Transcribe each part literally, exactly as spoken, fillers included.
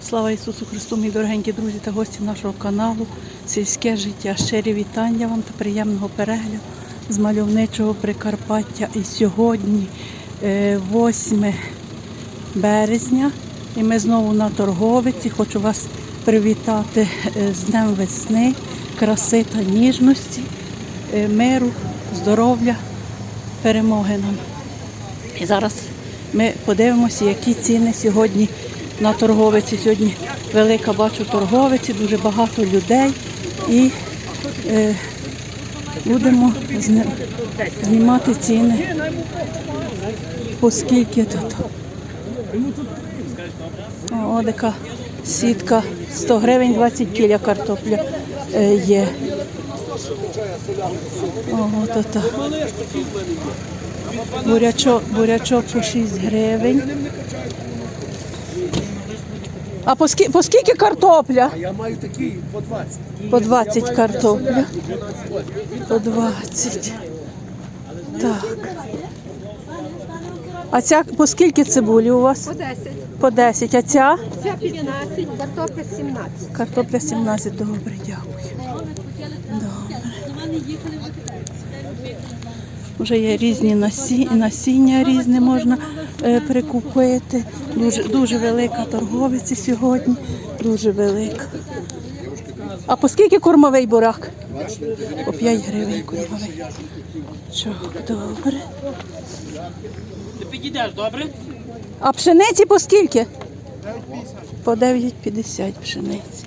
Слава Ісусу Христу, мої дорогенькі друзі та гості нашого каналу «Сільське життя». Щирі вітання вам та приємного перегляду з мальовничого Прикарпаття. І сьогодні восьме березня, і ми знову на торговиці. Хочу вас привітати з Днем весни, краси та ніжності, миру, здоров'я, перемоги нам. І зараз ми подивимося, які ціни сьогодні на торговиці. Сьогодні велика, бачу, торговиці, дуже багато людей. І е, будемо знімати ціни, оскільки тут. О, така сітка, сто гривень, двадцять кіля картопля е, є. Ого, то та. Бурячок, бурячок по шість гривень. А по скільки, по скільки картопля? Я маю такі по двадцять. По двадцять картопля. По двадцять. Так. А ця по скільки цибулі у вас? По десять. По десять. А ця? Ця п'ятнадцять, картопля сімнадцять. Картопля сімнадцять. Добре, дякую. Добре. Вже є різні насіння, насіння різне можна е, прикупити. Дуже, дуже велика торговиця сьогодні, дуже велика. А по скільки кормовий бурак? По п'ять гривень кормовий. Чого, добре. Ти підійдеш, добре? А пшениці по скільки? По дев'ять п'ятдесят пшениці.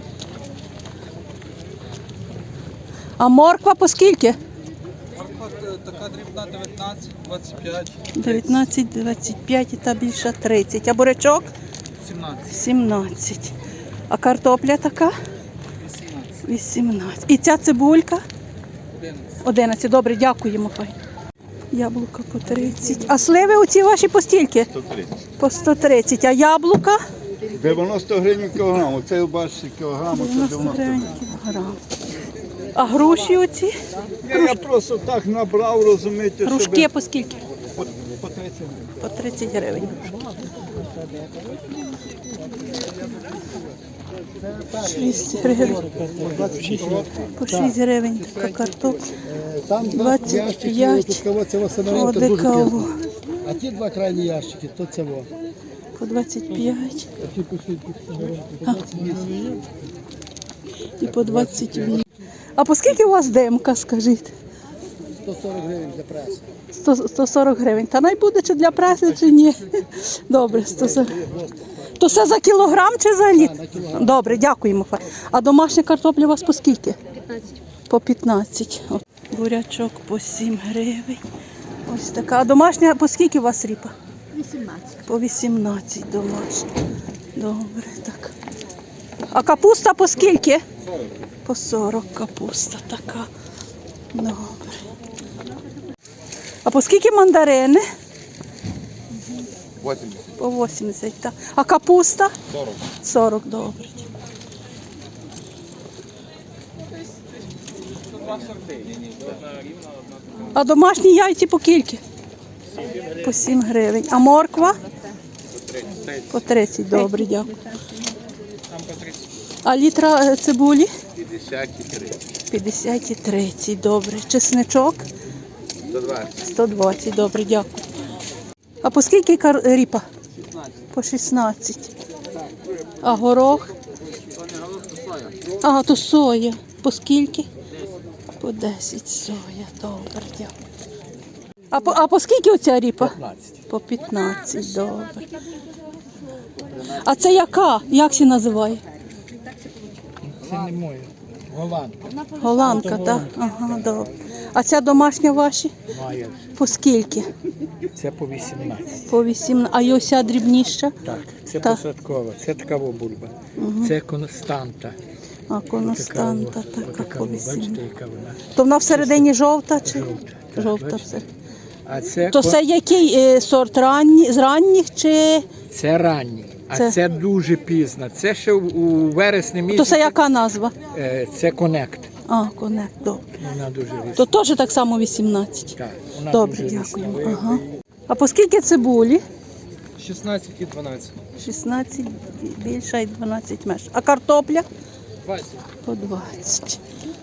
А морква по скільки? Така дрібна дев'ятнадцять, двадцять п'ять. дев'ятнадцять, двадцять п'ять і та більша тридцять. А бурячок? сімнадцять. сімнадцять. А картопля така? вісімнадцять. вісімнадцять. І ця цибулька? одинадцять. одинадцять. Добре, дякуємо. Яблука по тридцять. А сливи оці ваші по стільки? сто тридцять. По сто тридцять. А яблука? дев'яносто гривень кілограм. Оце бачите кілограм, оце дев'яносто дев'яносто гривень гривень. кілограм. А груші оці? Я, я просто так набрав, розумієте, Грушки щоб... по скільки? По, по тридцять гривень. По тридцять гривень. шість гривень. По шість гривень така картопля. Там двадцять п'ять. Тут кого це восстановка дуже Одекаву. кисло. А ті два крайні ящики, то це во. По двадцять п'ять. А ті пішли І по двадцять вісім. А по скільки у вас демка, скажіть? сто сорок гривень для преси. сто, сто сорок гривень. Та най буде чи для преси, чи ні? Добре, сто сорок. То це за кілограм чи за літ? Добре, дякуємо. А домашня картопля у вас по скільки? п'ятнадцять. По п'ятнадцять. От. Бурячок по сім гривень. Ось така. А домашня по скільки у вас ріпа? вісімнадцять. По вісімнадцять домашня. Добре, так. А капуста по скільки? По сорок капуста така. Добре. А по скільки мандарини? вісімдесят. По вісімдесят, так. А капуста? сорок. сорок, добре. А домашні яйці по скільки? По сім гривень. А морква? По тридцять, добре, дякую. А літра цибулі? п'ятдесят і тридцять. п'ятдесят і тридцять, добре. Чесничок? сто двадцять. сто двадцять, добре, дякую. А по скільки кар... ріпа? По шістнадцять. А горох? А, то соя. По скільки? По десять соя, добре, дякую. А по, а по скільки оця ріпа? п'ятнадцять. По п'ятнадцять, добре. А це яка? Як се називає? Це не моє. Голландка. Голландка, так? Ага, добре. А ця домашня ваші? Має. По скільки? Це по вісімнадцять. По вісімнадцять. А й ося дрібніша? Так, це Так. посадкова, це така бульба. Це константа. А константа така Отака, по бачите, вісімнадцять. яка вона? То вона всередині жовта чи? Жовта. Так, Жовта бачите? все. А це, То ко- це який е, сорт ранні, з ранніх чи? це ранній, а Це- це, дуже пізно. Це ще у, у вересні То місяці. це яка назва? Е, Це конект. А, конект, добре. Вона дуже різна. То теж так само вісімнадцять. Так, вона Добре, дуже дякую. різна. Ага. А по скільки цибулі? шістнадцять і дванадцять. шістнадцять більша і дванадцять менша. А картопля? двадцять. По двадцять.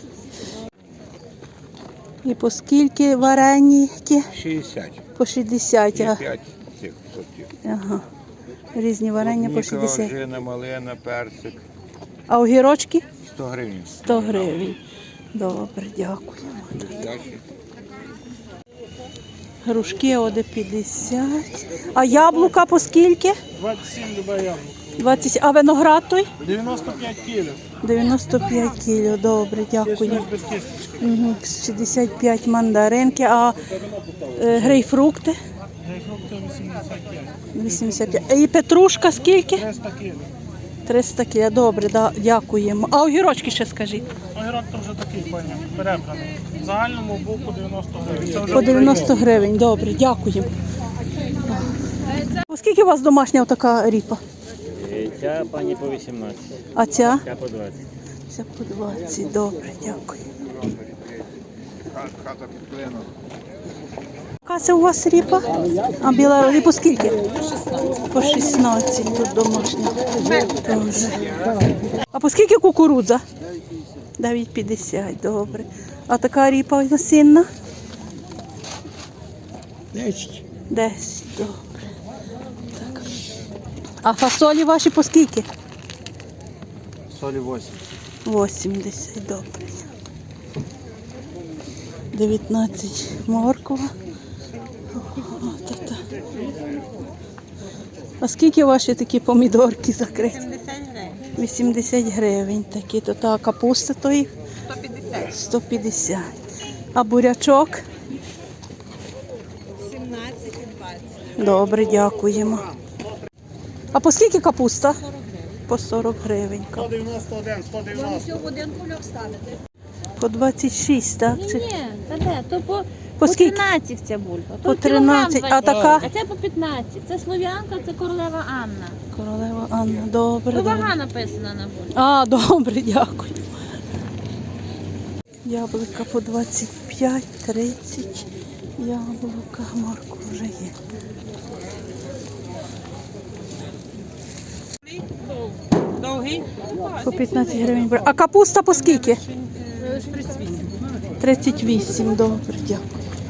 І по скільки вареники? шістдесят. По шістдесят. А, п'ять цих сортів. ага. Різні варення по шістдесят. Ожина, малина, персик. А огірочки? сто гривень. сто гривень. Добре, дякую. Грушки оде п'ятдесят. А яблука по скільки? двадцять сім люба яблуко. двадцять. А виноград той? дев'яносто п'ять кілів. дев'яносто п'ять кіло. Добре, дякую. Без кісточки. Угу. шістдесят п'ять мандаринки. А е, грейпфрукти? Грейпфрукти вісімдесят п'ять. вісімдесят п'ять. І петрушка скільки? триста кілів. триста кіло. Добре, да, дякуємо. А огірочки ще скажіть. Огірок то вже такий, пані, перебраний. В загальному був по дев'яносто гривень. Це вже По дев'яносто гривень. Добре, дякуємо. Оскільки у вас домашня така ріпа? Ця пані по вісімнадцять, А ця? ця по двадцять. Ця по двадцять. Добре, дякую. Хата під клином. Яка це у вас ріпа? А біла ріпа скільки? По шістнадцять тут домашня. Дуже. А по скільки кукурудза? дев'ять п'ятдесят, добре. А така ріпа насінна? десять. десять, добре. Так. А фасолі ваші по скільки? солі вісім. вісімдесят, добре. дев'ятнадцять морква. О-о-о-та-та. А скільки ваші такі помідорки закриті? вісімдесят гривень. вісімдесят гривень такі. То та капуста то їх? сто п'ятдесят. сто п'ятдесят. А бурячок? сімнадцять і двадцять. Добре, дякуємо. А по скільки капуста? По сорок гривень. сто дев'яносто один, сто дев'яносто. Всього в один кульок ставити. По двадцять шість, так? Ні, Чи- ні, та де, то по, По по скільки? тринадцять ця бульба. По То кілограм тринадцять, а двадцять. така? А це по п'ятнадцять. Це слов'янка, це королева Анна. Королева Анна, добре. То добре. вага написана на бульбі. А, добре, дякую. Яблука по двадцять п'ять, тридцять. Яблука, морква вже є. Довгий? По п'ятнадцять гривень. А капуста по скільки? тридцять вісім, добре, дякую.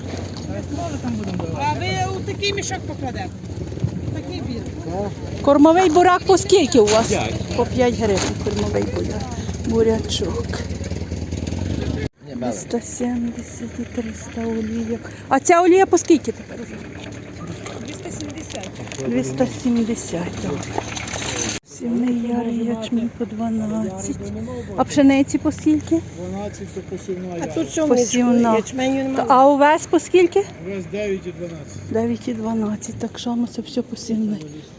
А ви у такий мішок покладете? Такий білий. Кормовий бурак по скільки у вас? По п'ять гривень кормовий бурак. Бурячок. двісті сімдесят і триста олійок. А ця олія по скільки тепер? двісті сімдесят. двісті сімдесят, добре. Сівний ярий ячмінь по дванадцять. А пшениці по скільки? дванадцять то посівна. А тут що Посівна. ячменю Та- немає? А овес по скільки? Весь дев'ять і дванадцять. дев'ять і дванадцять. Так що це все посівне.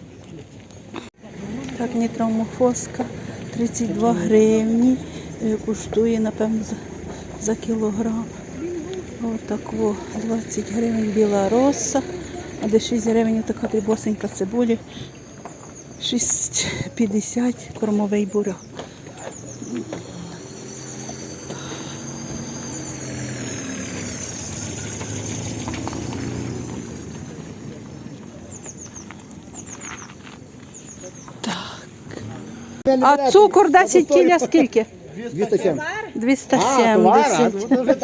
Так, нітромофоска тридцять два гривні. Е, Коштує, напевно, за, за кілограм. Отак, о, двадцять гривень біла роса. А де шість гривень така дрібосенька цибулі. шість п'ятдесят кормовий бурак. Так. А цукор десять кіля скільки? двісті сімдесят. двісті сімдесят.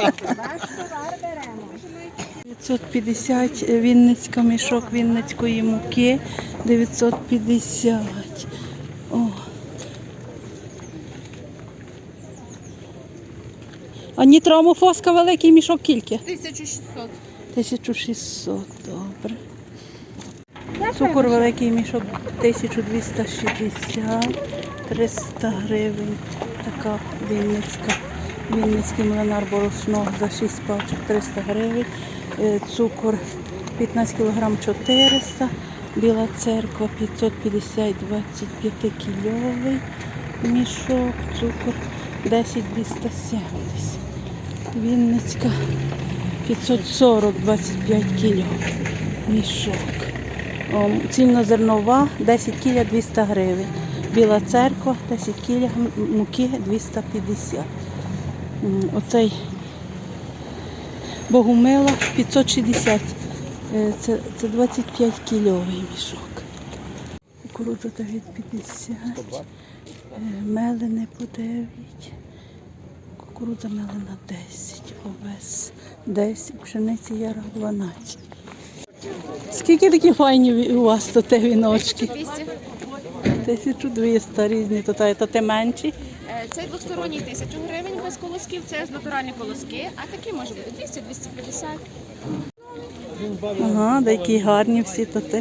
дев'ятсот п'ятдесят Вінницька мішок вінницької муки. дев'ятсот п'ятдесят. О. А нітромофоска великий мішок кільки? тисяча шістсот. тисяча шістсот, добре. Цукор великий мішок тисяча двісті шістдесят, триста гривень. Така Вінницька. Вінницький млинар борошно за шість пачок триста гривень. Е, Цукор п'ятнадцять кілограм чотириста. Біла церква п'ятсот п'ятдесят двадцять п'ять кільовий мішок. Цукор десять двісті сімдесят. Вінницька п'ятсот сорок двадцять п'ять кільовий мішок. О, цільнозернова десять кіля двісті гривень. Біла церква десять кіля муки двісті п'ятдесят. М, Оцей Богомила п'ятсот шістдесят. Е, Це, це двадцять п'ять кільовий мішок. кукурудза дев'ять п'ятдесят, мелене по дев'ять, кукурудза мелена десять, овес десять, пшениця яра дванадцять. Скільки такі файні у вас тут віночки? тисяча двісті різні, тут а це менші. Цей двосторонній тисячу гривень без колосків, це з натуральні колоски, а такі може бути двісті - двісті п'ятдесят. Ага, такі гарні всі тут.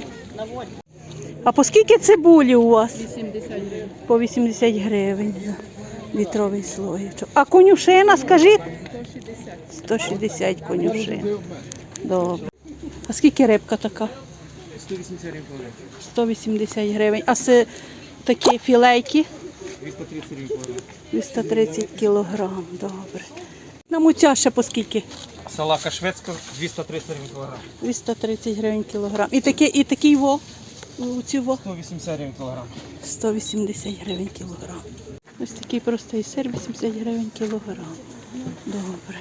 А по скільки цибулі у вас? вісімдесят гривень. По вісімдесят гривень за літровий слоєчок. А конюшина, скажіть? сто шістдесят конюшин. Добре. А скільки рибка така? сто вісімдесят гривень кілограм. сто вісімдесят гривень. А це такі філейки? двісті тридцять гривень кілограм. двісті тридцять кілограм. Добре. На муця ще по скільки? Салака шведська двісті тридцять гривень кілограм. двісті тридцять гривень кілограм. І такий, і такий во? У ці во? сто вісімдесят гривень кілограм. сто вісімдесят гривень кілограм. Ось такий простий сир, вісімдесят гривень кілограм. Добре.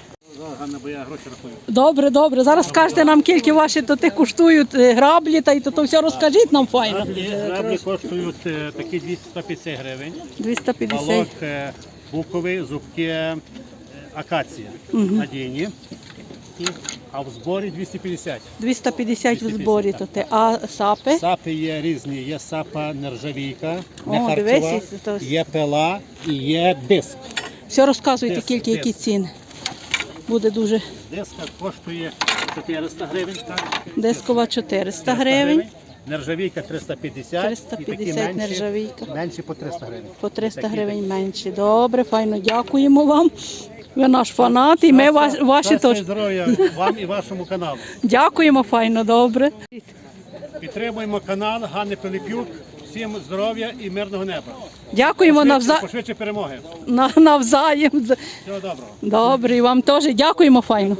Добре, добре. Зараз скажете нам, скільки ваші то ти коштують е, граблі, та й то, то все розкажіть нам файно. Граблі, граблі коштують е, такі двісті п'ятдесят гривень. двісті п'ятдесят. Балок е, буковий, зубки е, акація надійні. І- А в зборі двісті п'ятдесят. двісті п'ятдесят в зборі то ти. А сапи? Сапи є різні. Є сапа нержавійка, не О, харчова, дивись, то- є пила і є диск. Все розказуйте, Десять, тільки які десять. ціни. Буде дуже Диска коштує чотириста гривень. так? дискова чотириста гривень, Нержавійка триста п'ятдесят. триста і такі п'ятдесят менші- нержавійка. Менші по триста гривень. по триста Такі- гривень менші. Добре, файно, дякуємо вам. Ви наш фанат і ми ва- ваші Щастя і теж. здоров'я вам і вашому каналу. Дякуємо, файно, добре. Підтримуємо канал Ганни Пилипюк. Всім здоров'я і мирного неба. Дякуємо Пошвидше, навза... пошвидше перемоги. на... навзаєм. Всього доброго. Добре, і вам теж дякуємо, файно.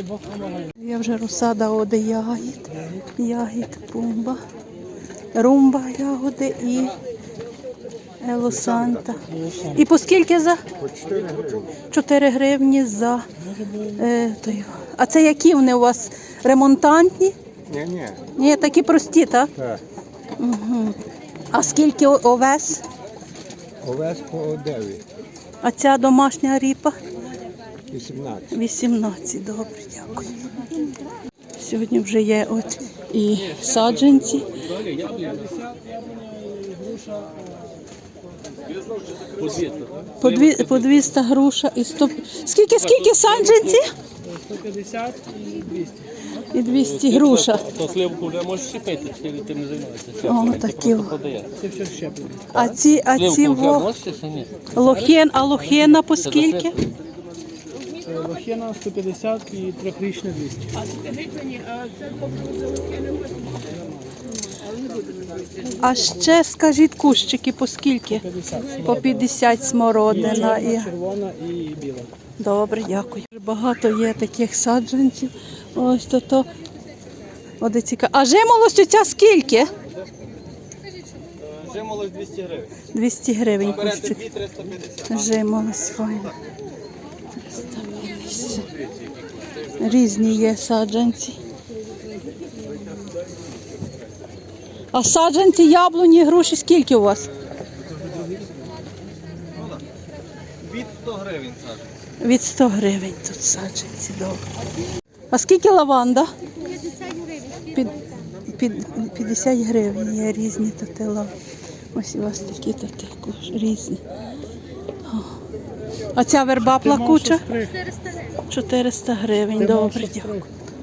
Я вже розсада оди ягід, ягід, пумба, румба ягоди і елосанта. І по скільки за? чотири гривні за. Е, той. А це які вони у вас? Ремонтантні? Ні, ні. Ні, такі прості, так? Так. Угу. А скільки о- овес? Овес по дев'ять. А ця домашня ріпа? вісімнадцять. вісімнадцять, добре, дякую. Сьогодні вже є от і саджанці. По, дві, по двісті груша і сто... Скільки, скільки саджанці? сто п'ятдесят і двісті. І двісті груша. То сливку вже можеш щепити, чи ти не займаєшся? О, такі. Це все щеплено. А ці, а ці Сливку вже во... можеш чи ні? лохен, а лохена по скільки? Е, Лохина сто п'ятдесят і трьохрічне двісті. А ще скажіть кущики по скільки? По п'ятдесят смородина. І... Червона і біла. Добре, дякую. Багато є таких саджанців. Ось то то. Оде цікаво. А жимолость оця скільки? Жимолость двісті гривень. двісті гривень Берете кущик. дві триста п'ятдесят. Жимолость файна. триста п'ятдесят. Різні є саджанці. А саджанці, яблуні, груші скільки у вас? Від сто гривень саджу. Від сто гривень тут саджанці, добре. А скільки лаванда? Під, під, п'ятдесят гривень є різні тут лаванди. Ось у вас такі тут різні. О. А ця верба плакуча? чотириста гривень, добре, дякую.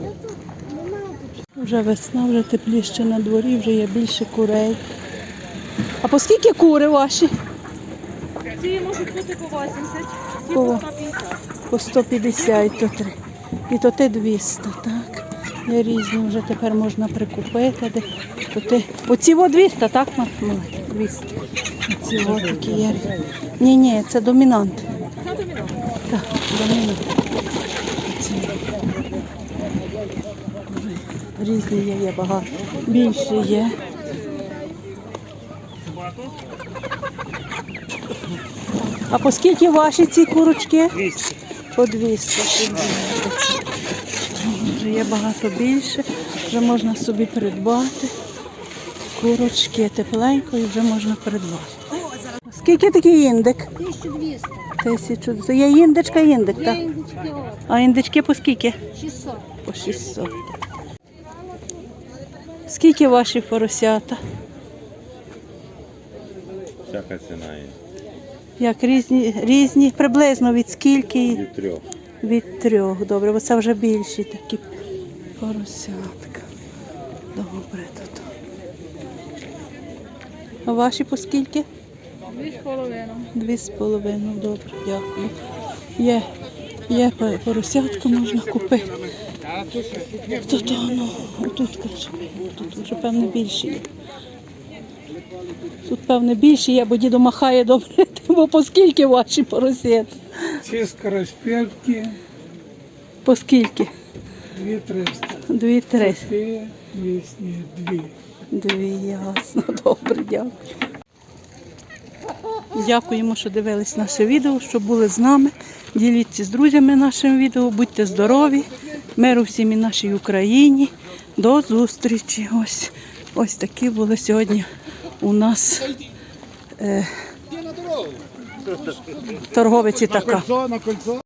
Вже весна, вже тепліше на дворі, вже є більше курей. А по скільки кури ваші? Ці можуть бути по вісімдесят, ці По- по сто п'ятдесят. По сто п'ятдесят то три. І то ти двісті, так? Є різні, вже тепер можна прикупити. Де, то ти... Оці во двісті, так, Мала? двісті. Оці во такі є. Ні, ні, це домінант. Це домінант. Так, домінант. Оці. Різні є, є багато. Більше є. А по скільки ваші ці курочки? двісті. По двісті. Вже є багато більше, вже можна собі придбати. Курочки тепленько і вже можна придбати. Скільки такий індик? тисяча двісті. Тисячу. Це є індичка, індик, так? Індички от. А індички по скільки? шістсот. По шістсот. Скільки ваші поросята? Всяка ціна є. Як різні, різні, приблизно від скільки? Від трьох. Від трьох. Добре, бо це вже більші такі поросятка. Добре тут. А ваші по скільки? Дві з половиною. Дві з половиною. Добре, дякую. Є, є по- поросятку можна купити. Тут, ну, тут, каже, тут вже певне більше є. Тут певне більше є, бо дідо махає добре, бо по скільки ваші поросята? Ці скороспілки По скільки? дві триста. Дві триста. Ці двісті дві. Дві, ясно. Добре, дякую. Дякуємо, що дивились наше відео, що були з нами. Діліться з друзями нашим відео, будьте здорові, миру всім і нашій Україні. До зустрічі. Ось, ось такі були сьогодні у нас е, торговиці така. На кольцо.